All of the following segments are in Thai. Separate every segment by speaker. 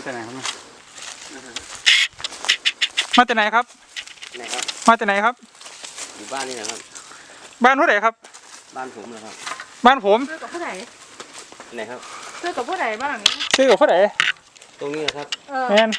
Speaker 1: แต่ไหนครับ
Speaker 2: มาแต่ไหนครับ
Speaker 3: ไหนครับ
Speaker 2: มาแต่ไหนครับ
Speaker 3: อยู่บ้านนี่นะครับ
Speaker 2: บ้านผู้ใดครับ
Speaker 3: บ้านผมนะครับ
Speaker 2: บ้านผม
Speaker 4: ซื้อกับผู้ใด
Speaker 3: ไหนครับ
Speaker 4: ซื้อกับผู้ใดบ้าง
Speaker 2: ซื้อกับผู้ใด
Speaker 3: ตรงนี้นะครับ
Speaker 2: แมน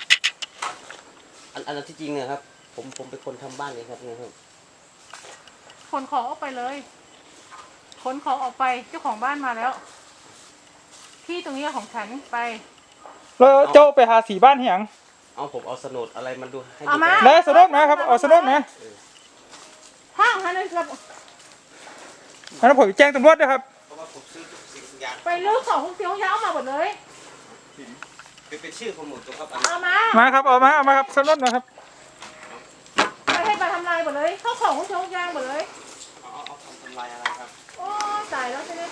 Speaker 3: อันที่จริงนะครับผมเป็นคนทำบ้านเลยครับนี่ครับ
Speaker 4: ขนของออกไปเลยขนของออกไปเจ้าของบ้านมาแล้วที่ตรงนี้ของฉันไป
Speaker 2: แล้วเจ้าไปหาสีบ้านเหียง
Speaker 3: เอาผมเอาโฉนดอะไรมันดูให้
Speaker 4: เอามา
Speaker 2: แล้วโฉนดนะครับเอาโฉนดนะ
Speaker 4: ห้างฮันนั่นครับ
Speaker 2: อันนั้นผมแจ้งตำรวจด้วยครับ
Speaker 3: เพราะว่าผมซื้อทุกสิ่งทุกอย่าง
Speaker 4: ไปเลือกของเสี้ยวยาวมาหมดเลย
Speaker 3: เป็นชื่อผมหมดตัวครับ
Speaker 4: เอามา
Speaker 2: ครับเอามาครับโฉนดนะครับ
Speaker 4: ไปให้ไปทำลายหมดเลยเข้าของเสี้ยวยาวหมดเลย
Speaker 3: เอาทำลายอะไรครับ
Speaker 4: โอ้ตายแล้วใช่ไหม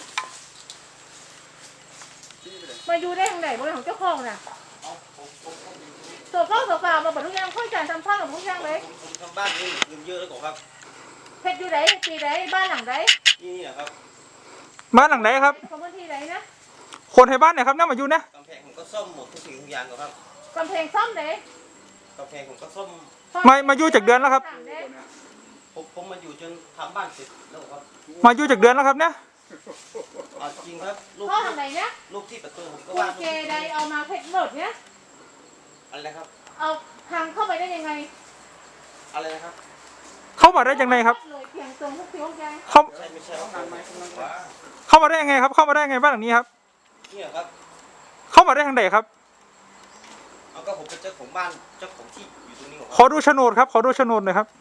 Speaker 4: มาอยู่ได้ทางไหนบริของเจ้าของน่ะโซฟามาหมดทุกอย่างค่อยจ่ายทำข้าวหมดทุกอย่างเลย
Speaker 3: ผมทำบ้านนี่เงินเยอะแล้วก่อนครับ
Speaker 4: เพชรอยู่ไหนปีไหนบ้านหลังไหน
Speaker 3: นี่แหละครับ
Speaker 2: บ้านหลังไหนครับ
Speaker 4: ของพื้นที่ไหนนะ
Speaker 2: คนให้บ้านเนี่ยครับน่ามาอยู่นะ
Speaker 3: กำแพงผมก็ซ่อมหมดทุกสิ่งทุกอย่างก่อนครับ
Speaker 4: กำแพงซ่อมไหน
Speaker 3: กำแพงผมก็ซ่อม
Speaker 2: มาอยู่จากเดือนแล้วครับ
Speaker 3: ผมมาอยู่จนทำบ้านเสร็จแล้วครับ
Speaker 2: มาอยู่จากเดือนแล้วครับเนี่ย
Speaker 3: จริงครับลูก
Speaker 4: พ่อทางไหนเนี่ย
Speaker 3: ลูกที่ประตูผมก็
Speaker 4: ว่าเจไดเอามาเพชรหมดเนี่ย
Speaker 3: อะไรครับ
Speaker 4: เอาทางเข้าไปได้ยังไง
Speaker 3: อะไรนะครับ
Speaker 2: เข้ามาได้ยังไงครับ
Speaker 4: เพียงตรงทุกสิ่งทุกอย่าง
Speaker 3: ไม่ใช่ห้องน้ำไหม
Speaker 2: เข้ามาได้ยังไงครับเข้ามาได้ยังไงบ้านหลังนี้ครับ
Speaker 3: นี่ครับ
Speaker 2: เข้ามาได้ทางไหนครับ
Speaker 3: เอาก็ผมเป็นเจ้าของบ้านเจ้าของที่อยู่ตรงนี้
Speaker 2: ขอดูโฉนดครับขอดูโฉนดหน่อยครับ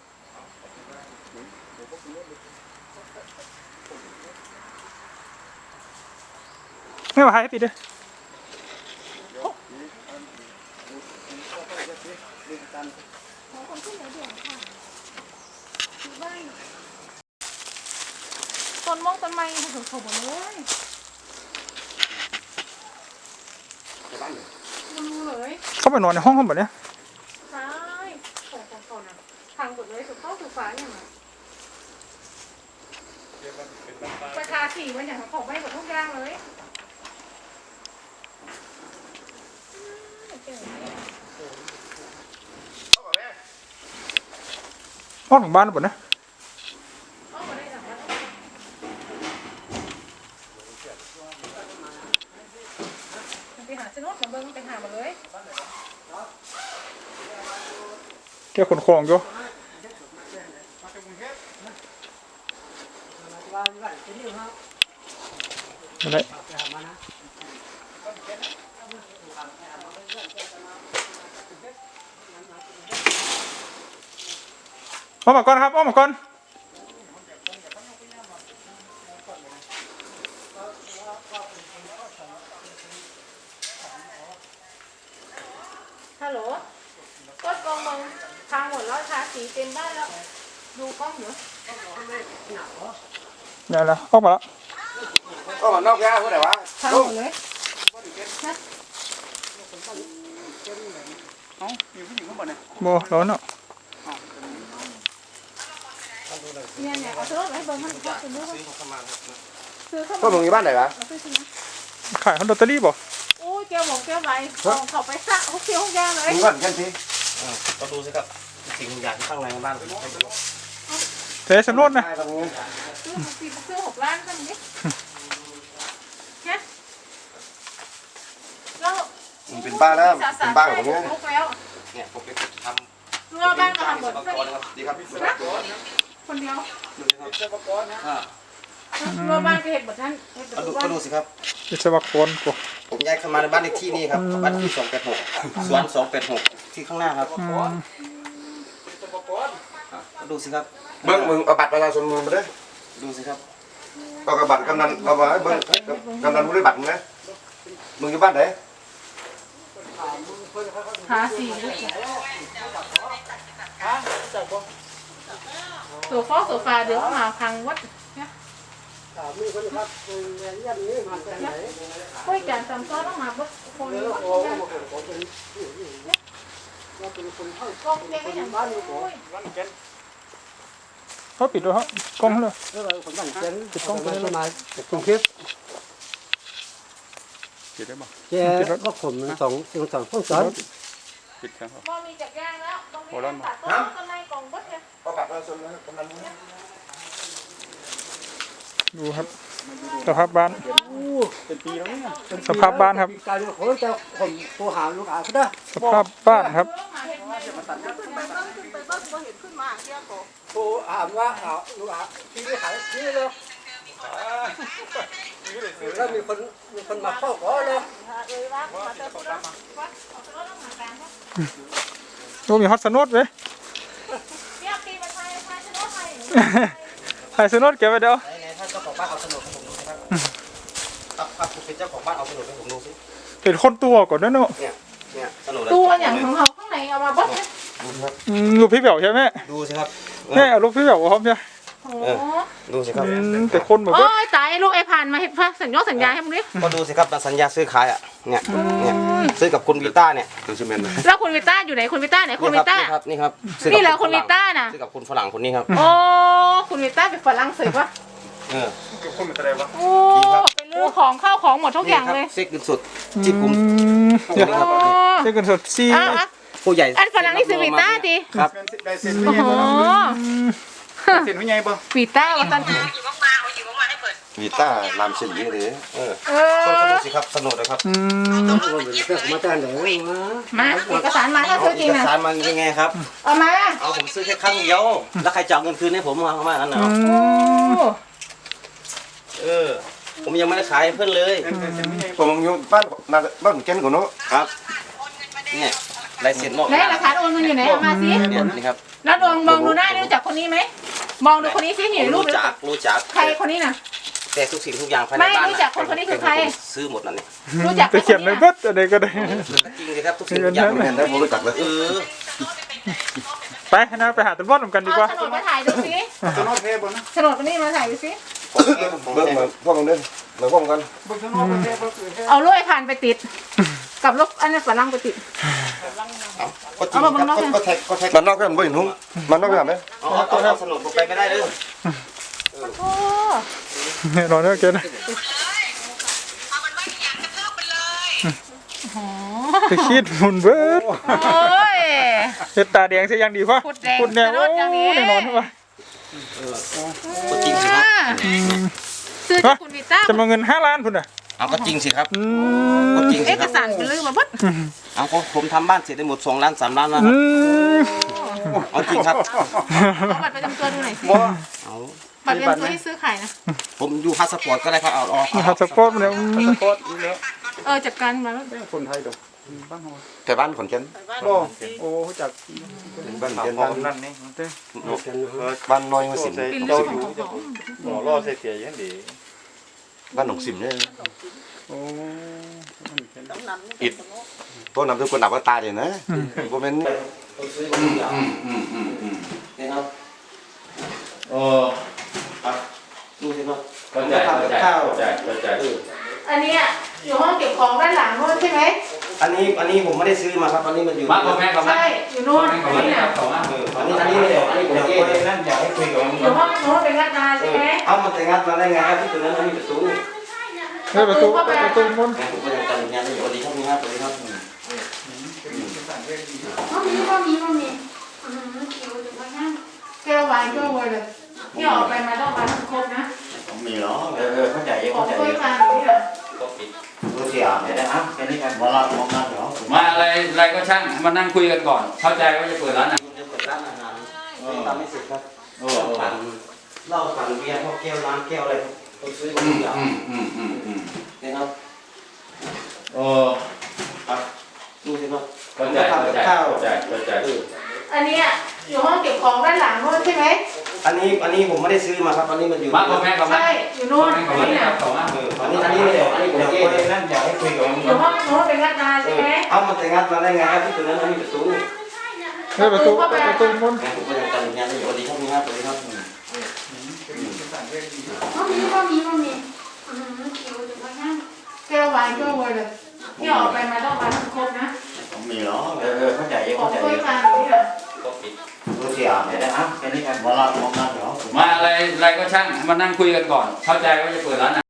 Speaker 2: ไม่มาให้ปิดเลย
Speaker 4: ต้นมงต้นไม้ถึงเขาหมดเลยดูเลย
Speaker 2: เข้าไปนอนในห้องเขาแบบนี้
Speaker 4: ใช่ของนะทางหมดเลยสุดเข้าสุดฟ้าเนี่ยมาประชาสีมันอย่างของไม่หมดทุกอย่างเลย
Speaker 2: ห้องของบ้านหมดนะ
Speaker 4: ไปหาซื้อรถมาเบิ้งไปหามาเลย
Speaker 2: แกขนของอยู่อะไรเอามาก่อนครับเอามาก่อน
Speaker 4: ฮัลโหลก็กองมองทางหมดแล้วทาสีเต็มบ้านแล้วดูกล้องเหรอ
Speaker 2: เนี่ยแล้วออกมาแล้ว
Speaker 1: ก็นอกยาเพื่อไหนวะ
Speaker 4: ทางหมดเลย
Speaker 1: เอ้ามีผู้หญิงข้างบนเนี่ย
Speaker 2: โม่ร้อนเนาะ
Speaker 4: เนี่ยเอาซื้อรถให้เบิ้งให้เขาซื้อรถซื้อเข้ามา
Speaker 1: พ่อมึงอยู่บ้านไหนวะ
Speaker 2: ขายคอนโดตอรี่บ่
Speaker 4: โอ้ยเกี่ยวหมกเกี่ยวใบเขาไปสระเขาเกี่ยวแย่เลย
Speaker 1: มึงก่อนกันที
Speaker 3: ก็ดูสิครับสิ่งอย่างที่ข้างในบ้านผม
Speaker 2: เทสโนดนะ
Speaker 4: ซื้อ6 ล้านกันนี่เนี่ยแล้ว
Speaker 1: มันเป็นบ้านแล้วเป็นบ้านของมึง
Speaker 3: เนี่ยผมไปทำ
Speaker 4: รัวบ้านก็ทำหมด
Speaker 3: ดีครับพี่
Speaker 4: คนเดียว
Speaker 3: วิศวกรนะ
Speaker 4: รัวบ้านก็เห็นหมดท่าน
Speaker 3: ก็ดูสิครับ
Speaker 2: วิศวกรกู
Speaker 3: ผมย้ายเข้ามาในบ้านเลขที่นี่ครับบ้านที่286สวน286ที่ข้างหน้าครับดูสิครับ
Speaker 1: มึงเอาบัตรประชาชนมึงมาด้วย
Speaker 3: ดูสิครับ
Speaker 1: ก็กระบัตรกำนันเอาไว้เบิ้งกำนันมึงได้บัตรมึงไหมมึงอยู่บ้านไหน
Speaker 4: หาสีโซฟาเดี๋ยวมาพังวัดค่อยจานตำซ้อต้องมาปุ๊บคนก็เรียกให้อย่างบ้านอยู่
Speaker 2: เขาปิดด้วยครับกล้องเลย
Speaker 1: ปิดกล้องไปเลยมา
Speaker 2: กรุงเทพปิดได้บ่
Speaker 5: แจ้ว่าผมสองพวกสอน
Speaker 2: ปิดครับ
Speaker 4: บ่มีจักย่างแล้วต้องมีตัดต้นต้นไม้กองบดเนี่ย
Speaker 1: ก็ปักแล้วส่วนนั้นกำนันรู้
Speaker 2: ดูครับสภาพบ้าน
Speaker 5: เป็นปีแล้วเนี่ย
Speaker 2: สภาพบ้านครับ
Speaker 5: การที่ผมจะผมโทรหาลูกอาเขาได้
Speaker 2: สภาพบ้านครับ
Speaker 5: โทรถามว่าลูกอาที่ไม่ขายที่เลยแล้วมีคนมาเข้าขอเลย
Speaker 2: ดูมีฮอตสนุดไหมถ่ายสนุดเก็บไว้เดี๋ยว
Speaker 3: ไหนๆถ้าเจ้าของบ้านเอาโฉนดให้ผมดูนะครับครับคุณเป็นเจ้าของบ้านเอาโฉนดให้ผมดูสิ
Speaker 2: เป็นคนตัวก่อนนะเนาะ
Speaker 3: เนี่ยโฉนด
Speaker 4: ตัวอย่างของเขาข้างในเอามาบดเนี่ย
Speaker 2: ลูกพี่เบี่ยวใช่ไหม
Speaker 3: ดูสิครับ
Speaker 2: แม่เอาลูกพี่เบี่ยวพร้อมใช่
Speaker 4: โอ้
Speaker 3: ดูสิครับ
Speaker 2: แต่คนเหมือน
Speaker 4: โอ้
Speaker 2: ว่าย
Speaker 4: ตายลูกไอ้ผ่านมาเห็นพระสัญญาให้มึงดิ
Speaker 3: ก็ดูสิครับสัญญาซื้อขายอ่ะเนี่ยซื้อกับคุณวิต้าเนี่ย
Speaker 1: ตัวซีเมนต์นะ
Speaker 4: แล้วคุณวิต้าอยู่ไหนคุณวิต้าไหนคุณวิต้า
Speaker 3: นี่ครับ
Speaker 4: นี่เหรอคุณวิต้าน่ะ
Speaker 3: ซื้อกับคุณฝรั่งคนนี้ครับ
Speaker 4: โอ้คุณวิต้าเป็นฝรั่งเศสปะ
Speaker 3: เออ
Speaker 2: คนเป็นอะไรวะ
Speaker 4: โอ้เป็นเรื่องของข้าวของหมดทุกอย่างเลย
Speaker 3: เซ็กเงินสดที่ผม
Speaker 2: เดี๋ยว
Speaker 3: ครับ
Speaker 2: เช็คกันสดซี
Speaker 4: อ่ะ
Speaker 3: ผู้ใหญ่
Speaker 4: อันฝรั่งนี่ซื้อวิต้าดิ
Speaker 3: ครับ
Speaker 4: โอ้โห
Speaker 2: เสียนไม่ใหญ่ป่ะ
Speaker 4: วิต้าว่าตัน
Speaker 1: วีต้าลามเส้นนี้เลย
Speaker 3: เออ
Speaker 4: เอ
Speaker 3: คนก็
Speaker 4: อ
Speaker 3: ดูสิครับสนุกเลยครับ
Speaker 5: มาจากไหนมา
Speaker 4: มาเอกสารมาถ้าซื้อจริง
Speaker 3: เอก
Speaker 4: นะ
Speaker 3: สารมันยังไงครับ
Speaker 4: เอามา
Speaker 3: เอาผมซื้อแค่ครั้งเดียวแล้วใครจะเอาเงินคืนให้ผมเอามาอันไหน
Speaker 4: โอ้
Speaker 3: เออผมยังไม่ได้ขายให้เพื่อนเลย
Speaker 1: ผมอยู่บ้านบ้านแก่นก่อนเนาะ
Speaker 3: ครับเนี่ยลายเซ็นมอบ
Speaker 4: ไหนหลักฐานโอนเงินอยู่ไหนเอามาสิ
Speaker 3: เนี่ยนี่ครับ
Speaker 4: แล้วดวงมองดูหน้ารู้จักคนนี้ไหมมองดูคนนี้สิเห็นรูป
Speaker 3: รู้จัก
Speaker 4: ใครคนนี้น่ะ
Speaker 3: แต่ทุกสิ่งทุกอย่างภายใน
Speaker 4: ไม่
Speaker 3: บ้าน
Speaker 4: รู้จักคนนี้คือใคร
Speaker 3: ซื้อหมดนั่นเนี่ย
Speaker 4: รู้จัก
Speaker 2: จะเขียนในเบิดอะไรก็ได้
Speaker 3: จริงเลยครับทุกสิ่งทุกอย่าง
Speaker 1: เห็นได้ผมรู้จักเลย
Speaker 3: เออ
Speaker 2: ไปนะไปหาตำรวจกันดีกว่า
Speaker 4: โฉนดมาถ่ายดูสิโฉนดเทบนะโฉนดตัวนี้มาถ่ายดูสิ
Speaker 1: เบิ่งมาพวกกันเด้มาพวกกัน
Speaker 4: เอาลูกไอ้ผ่านไปติด กับลูกอันนั้นฝรั่งไปติด
Speaker 3: ก็จริงครับก็แท็กก็แท็ก
Speaker 1: มันนอกกันบ่เห็นหุ้มมันนอกกันไหม
Speaker 3: เอาสนุกผมไปไม่ได้เลย
Speaker 4: โอ้
Speaker 2: รอเนื้อเกินไปคิดมุนเบิด
Speaker 4: โอ้ย
Speaker 2: เฮ็ดตาแดงซะยังดีพ่อ
Speaker 4: พูดแดง
Speaker 2: พูดแดง
Speaker 4: สะดุดอย่างนี้
Speaker 2: แน่นอนป่ะ
Speaker 3: ก็จริงสิครับ
Speaker 4: ซื้อจากคุณวิต้า
Speaker 2: จะมาเงิน5 ล้านพุ่นน่ะ
Speaker 3: เอาก็จริงสิครับ
Speaker 2: อื
Speaker 3: ก็
Speaker 2: ม
Speaker 3: จริงสิ
Speaker 4: เอ
Speaker 3: ค
Speaker 4: ก
Speaker 3: รับ
Speaker 4: สารเป็นลืมมาบด
Speaker 3: เอาก็ผมทำบ้านเสร็จได้หมด2 ล้าน3 ล้านแล้ว
Speaker 2: อืม
Speaker 3: เอาจริงครับ
Speaker 4: เอาบัตรประจำตัวดูหน่อยสิ
Speaker 3: เอา
Speaker 4: บัตรประจำตัวที่ซื้อขายนะ
Speaker 3: ผมอยู่พาสปอร์ตก็ได้ครับเอา
Speaker 2: หาสปอร์ตมาแล้ว
Speaker 4: จัดการมาแล้ว
Speaker 5: คนไทยดอก
Speaker 1: แต่บ้านขอนแก่น
Speaker 5: โอ้จาก
Speaker 1: บ้านขอนแก่นบ้านนั่นนี่บ้านน้อยมาสิบ
Speaker 4: เป็นเรื่องของเขา
Speaker 6: หมอรอเสียยังดี
Speaker 1: บ้านหนองสิมเนี่ย
Speaker 5: โอ้
Speaker 1: อิดพวกนำทุกคนดับว่าตายเลยนะพวกมัน
Speaker 3: เนี่ยครับ
Speaker 6: โอ้
Speaker 3: ดูสิครับ
Speaker 6: เข้าใจเข้าใจเข้าใจ
Speaker 4: อันนี้อยู่ห้องเก็บของด้านหลังโน้นใช่ไหม
Speaker 3: อันนี้ผมไม่ได้ซื้อมาครับอันนี้มันอยู่
Speaker 6: มาพ่อแม่กับแม่
Speaker 4: ใช่อยู่โน่น
Speaker 6: กับ
Speaker 4: อัน
Speaker 6: แม่
Speaker 4: นี้
Speaker 6: ครั
Speaker 4: น่ะ
Speaker 6: บสองอ่ะ
Speaker 3: อันนี้ไม่ได้อันนี้ผมเอง
Speaker 6: นั่นอยากให้คุยกับ
Speaker 4: อยู่ห้องโน้นเป็นงัดนาใช่ไหม
Speaker 3: เอามันแต่งงานมาได้ไงครับที่ตรงนั้นมันมีประตู
Speaker 2: เฮ้ยประตูมุน
Speaker 3: แม่ผมก็ยังจำงานได้อยู่สวัสดีครับนี่ครับสวัสดีครับ
Speaker 4: มีคิวถึงมานั่งแก้ววายแก้ววายเลยที่ออกไปมาต้องมาทั้งครบนะ
Speaker 6: มีเหรอเข้าใจ
Speaker 4: ออกถ้วยมาตรงนี้เหรอ
Speaker 3: ดูสิอ่ะเดี๋ยวนะครับแค่นี้ครับ
Speaker 6: มาละมองนั่นเหรอมาอะไรก็ช่างมานั่งคุยกันก่อน เข้าใจว่าจะเปิดร้านอ่ะ
Speaker 3: คุณจะเปิดร้านอาหารทำไม่เสร็จครับปั่นเหล้าปั่นเบียร์พวกแก้วล้างแก้วอะไรผมซื้อมาทุกอย่างนี่ครับ
Speaker 6: โอ้
Speaker 3: ครับดูสิครับ
Speaker 6: เข้าใจเข้าใจเข้าใจเข้าใจ
Speaker 4: อันนี้อยู่ห้องเก็บของด้านหลังโน้นใช่ไหม
Speaker 3: อันนี้ผมไม่ได้ซื้อมาครับอันนี้มันอยู่
Speaker 6: มาพ่อแม่กับแม่
Speaker 4: ใช่อยู่โน่น
Speaker 6: กับ
Speaker 4: อัน
Speaker 6: แม่
Speaker 4: นี้
Speaker 6: ค
Speaker 4: น่ะ
Speaker 6: รับสองอ่ะ
Speaker 3: อันนี้ไม่ได้อันนี้ผมเอง
Speaker 6: นั่นอยากให้คุยกับ
Speaker 4: อยู่ห้องโน้นเป็นงัดนาใช่ไหม
Speaker 3: เอามันแต่งงานมาได้ไงครับที่ตรงนั้นมันมีประตู
Speaker 2: เฮ้ยประตูมุน
Speaker 3: แม่ผมก็ยังจำงานได้อยู่สวัสดีครับนี่ครับสวัสดีครับ
Speaker 4: มีคิวถึงมานั่งแก้ววายแก้ววายเลยที่ออกไปมาต้องมาทั้งครบนะ
Speaker 6: มีเหรอเข้าใจ
Speaker 4: ออ
Speaker 6: เข้าก ใจ
Speaker 4: ถ้วยมาตรงนี้เหรอ
Speaker 3: ดูสิอ่ะเดี๋ยวนะครับแค่นี้ครับ
Speaker 6: มาละมองนั่นเหรอมาอะไรก็ช่างมานั่งคุยกันก่อน เข้าใจว่าจะเปิดร้านอ่ะ